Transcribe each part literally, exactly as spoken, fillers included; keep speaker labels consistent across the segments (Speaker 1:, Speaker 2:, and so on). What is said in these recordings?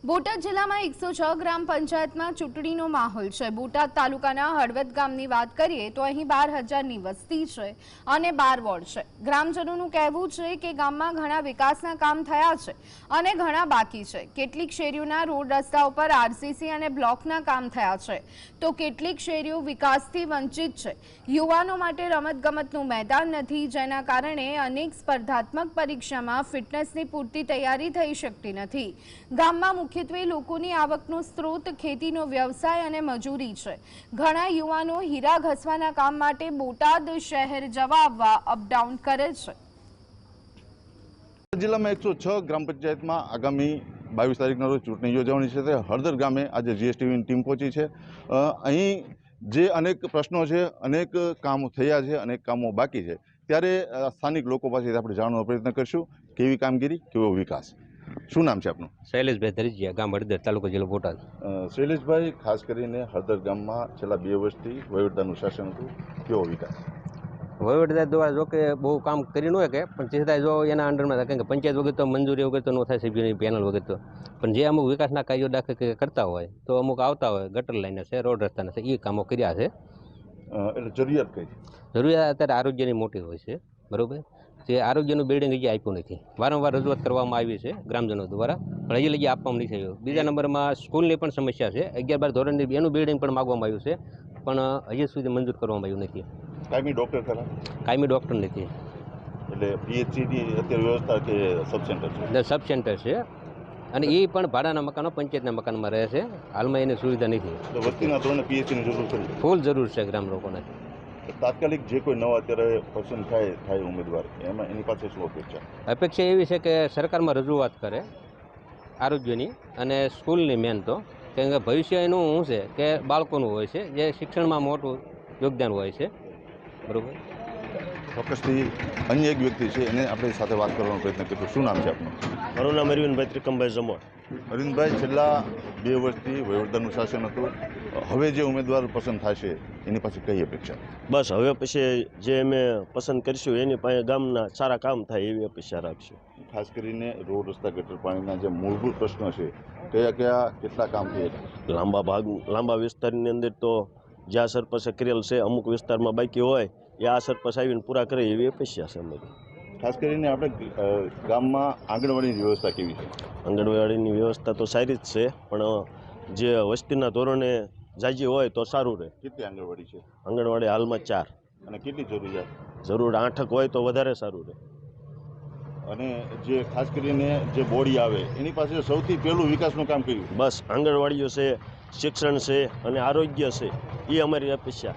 Speaker 1: બોટાદ જિલ્લામાં એકસો છ ગ્રામ પંચાયતમાં ચૂંટણીનો માહોલ છે। બોટાદ તાલુકાના હળવદ ગામની વાત કરીએ તો અહીં બાર હજારની વસ્તી છે અને બાર વોર્ડ છે। ગ્રામજનોનું કહેવું છે કે ગામમાં ઘણા વિકાસના કામ થયા છે અને ઘણા બાકી છે। કેટલીક શેરીઓના રોડ રસ્તા ઉપર આરસીસી અને બ્લોકના કામ થયા છે તો કેટલીક શેરીઓ વિકાસથી વંચિત છે। યુવાનો માટે રમતગમતનું મેદાન નથી, જેના કારણે અનેક સ્પર્ધાત્મક પરીક્ષામાં ફિટનેસની પૂરતી તૈયારી થઈ શકતી નથી। ગામમાં મુખ્યત્વે લોકોની આવકનો સ્ત્રોત ખેતીનો વ્યવસાય અને મજૂરી છે। ઘણા યુવાનો હીરા ઘસવાના કામ માટે બોટાદ શહેર જવા આવવા અપડાઉન કરે છે।
Speaker 2: જિલ્લામાં એકસો છ ગ્રામ પંચાયતમાં આગામી બાવીસ તારીખના રોજ ચૂંટણી યોજાવાની છે ત્યારે હળદર ગામે આજે જીએસટીવીની ટીમ પહોંચી છે। અહીં જે અનેક પ્રશ્નો છે, અનેક કામો થયા છે, અનેક કામો બાકી છે, ત્યારે સ્થાનિક લોકો પાસેથી આપણે જાણવાનો પ્રયત્ન કરીશું કેવી કામગીરી, કેવો વિકાસ। શું નામ છે આપનું?
Speaker 3: શૈલેષભાઈ ધરીજીયા, ગામ હળદર, તાલુકો જિલ્લો બોટાદ।
Speaker 2: શૈલેષભાઈ, ખાસ કરીને હળદર ગામમાં છેલ્લા બે વર્ષથી વહીવટદારનું શાસન હતું, કેવો વિકાસ?
Speaker 3: વહીવટદાર દ્વારા જો કે બહુ કામ કરી ન હોય કે પણ છતાં જો એના અંડરમાં થાય, કારણ કે પંચાયત વગર તો મંજૂરી વગર તો ન થાય, સભ્યોની પેનલ વગર તો। પણ જે અમુક વિકાસના કાર્યો દાખલ કરતા હોય તો અમુક આવતા હોય, ગટર લાઈન છે, રોડ રસ્તાના છે, એ કામો કર્યા છે।
Speaker 2: એટલે જરૂરિયાત કઈ છે?
Speaker 3: જરૂરિયાત અત્યારે આરોગ્યની મોટી હોય છે, બરાબર। જે આરોગ્યનું બિલ્ડિંગ હજી આપ્યું નથી, વારંવાર રજૂઆત કરવામાં આવી છે ગ્રામજનો દ્વારા, પણ હજી લગી આપવામાં નથી થયું। બીજા નંબરમાં સ્કૂલની પણ સમસ્યા છે, અગિયાર બાર ધોરણની એનું બિલ્ડિંગ પણ માગવામાં આવ્યું છે, પણ હજી સુધી મંજૂર કરવામાં આવ્યું નથી।
Speaker 2: કાયમી ડોક્ટર ખરા?
Speaker 3: કાયમી ડોક્ટર નથી,
Speaker 2: એટલે પીએચસીની અત્યારે વ્યવસ્થા કે સબ સેન્ટર છે?
Speaker 3: સબ સેન્ટર છે અને એ પણ ભાડાના મકાનો પંચાયતના મકાનમાં રહે છે, હાલમાં એની સુવિધા નથી।
Speaker 2: તો વસ્તીના ધોરણે પીએચસીની જરૂર છે,
Speaker 3: ફૂલ જરૂર છે ગ્રામ લોકોને।
Speaker 2: તાત્કાલિક જે કોઈ નવા અત્યારે પસંદ થાય થાય ઉમેદવાર, એમાં એની પાસે શું અપેક્ષા?
Speaker 3: અપેક્ષા એવી છે કે સરકારમાં રજૂઆત કરે આરોગ્યની અને સ્કૂલની, મેન તો કારણ કે ભવિષ્ય એનું શું છે કે બાળકોનું હોય છે, જે શિક્ષણમાં મોટું યોગદાન હોય છે, બરાબર।
Speaker 2: ચોક્કસથી અન્ય એક વ્યક્તિ છે, એને આપણી સાથે વાત કરવાનો પ્રયત્ન કરીશું। શું નામ છે આપનું?
Speaker 4: મારું નામ અરવિંદભાઈ ત્રિકમભાઈ જમોર।
Speaker 2: અરવિંદભાઈ, છેલ્લા બે વર્ષથી વહીવટદારનું શાસન હતું, હવે જે ઉમેદવાર પસંદ થશે એની પાસે કઈ અપેક્ષા?
Speaker 4: બસ હવે પછી જે અમે પસંદ કરીશું એની પાસે ગામના સારા કામ થાય એવી અપેક્ષા રાખશું।
Speaker 2: ખાસ કરીને રોડ રસ્તા, ગટર પાણીના જે મૂળભૂત પ્રશ્નો છે, કયા કયા કેટલા કામ થયા?
Speaker 4: લાંબા ભાગ લાંબા વિસ્તારની અંદર તો જ્યાં સરપંચે કરેલ છે, અમુક વિસ્તારમાં બાકી હોય એ આ સરપંચ આવીને પૂરા કરે એવી અપેક્ષા છે અમારી।
Speaker 2: ખાસ કરીને આપણે ગામમાં આંગણવાડીની વ્યવસ્થા કેવી છે?
Speaker 4: આંગણવાડીની વ્યવસ્થા તો સારી જ છે, પણ જે વસ્તીના ધોરણે જાજી હોય તો સારું રહે।
Speaker 2: કેટલી આંગણવાડી છે?
Speaker 4: આંગણવાડી હાલમાં ચાર।
Speaker 2: અને કેટલી જરૂરિયાત?
Speaker 4: જરૂર આઠક હોય તો વધારે સારું રહે।
Speaker 2: અને જે ખાસ કરીને જે બોડી આવે એની પાસે સૌથી પહેલું વિકાસનું કામ કર્યું?
Speaker 4: બસ આંગણવાડીઓ છે, શિક્ષણ છે અને આરોગ્ય છે, એ અમારી અપેક્ષા।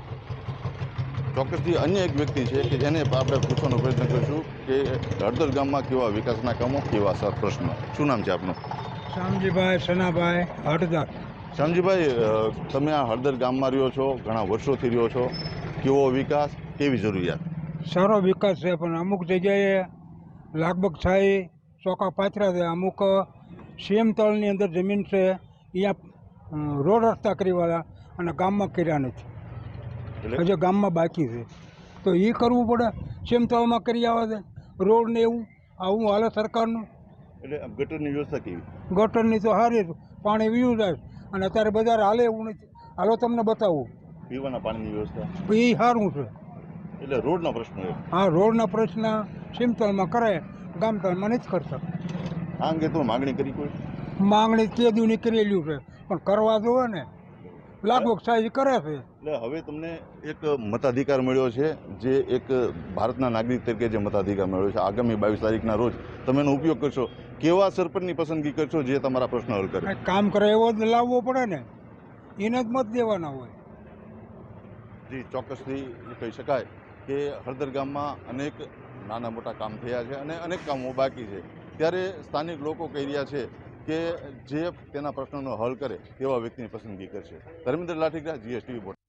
Speaker 2: ચોક્કસથી અન્ય એક વ્યક્તિ છે કે જેને આપણે પૂછવાનો પ્રયત્ન કરીશું કે હળદર ગામમાં કેવા વિકાસના કામો, કેવા સર પ્રશ્નો। શું નામ છે આપનું?
Speaker 5: શામજીભાઈ સનાભાઈ હળદર।
Speaker 2: શામજીભાઈ, તમે આ હળદર ગામમાં રહ્યો છો, ઘણા વર્ષોથી રહ્યો છો, કેવો વિકાસ, કેવી જરૂરિયાત?
Speaker 5: સારો વિકાસ છે, પણ અમુક જગ્યાએ લાગબગ થાય, ચોકા પાથરા છે, અમુક સીએમ તળની અંદર જમીન છે, અહીંયા રોડ રસ્તા કરીવાળા અને ગામમાં કર્યા નથી, હજી ગામમાં બાકી છે, તો એ કરવું પડે। સીએમ તળમાં કરી આવે છે રોડ ને એવું, આવું હાલે સરકારનું।
Speaker 2: એટલે ગટરની વ્યવસ્થા કેવી?
Speaker 5: ગટરની તો સારી, પાણી વીયું જાય, અને અત્યારે બજાર હાલે એવું નથી। હાલો તમને બતાવું,
Speaker 2: પીવાના પાણીની વ્યવસ્થા
Speaker 5: એ સારું છે।
Speaker 2: એટલે રોડનો પ્રશ્ન?
Speaker 5: હા, રોડના પ્રશ્ન સિમતળમાં કરે, ગામતળમાં નથી કરતા।
Speaker 2: આ અંગે તો માગણી કરી કોઈ?
Speaker 5: માંગણી કેદુની કરેલું છે, પણ કરવા જોવે ને, લાગવગ સાહેબ કરે છે।
Speaker 2: એટલે હવે તમને એક મતાધિકાર મળ્યો છે, જે એક ભારતના નાગરિક તરીકે જે મતાધિકાર મળ્યો છે, આગામી બાવીસ તારીખના રોજ તમે એનો ઉપયોગ કરશો, કેવા સરપંચની પસંદગી કરશો જે તમારા પ્રશ્ન હલ કરે?
Speaker 5: કામ કરે એવો જ લાવવો પડે ને, એને જ મત દેવાના હોય।
Speaker 2: જી, ચોક્કસથી કહી શકાય કે હળદર ગામમાં અનેક નાના મોટા કામ થયા છે અને અનેક કામો બાકી છે, ત્યારે સ્થાનિક લોકો કહી રહ્યા છે કે જે તેના પ્રશ્નોનો હલ કરે તેવા વ્યક્તિની પસંદગી કરશે। ધર્મેન્દ્ર લાઠીગરા, જીએસટીવી।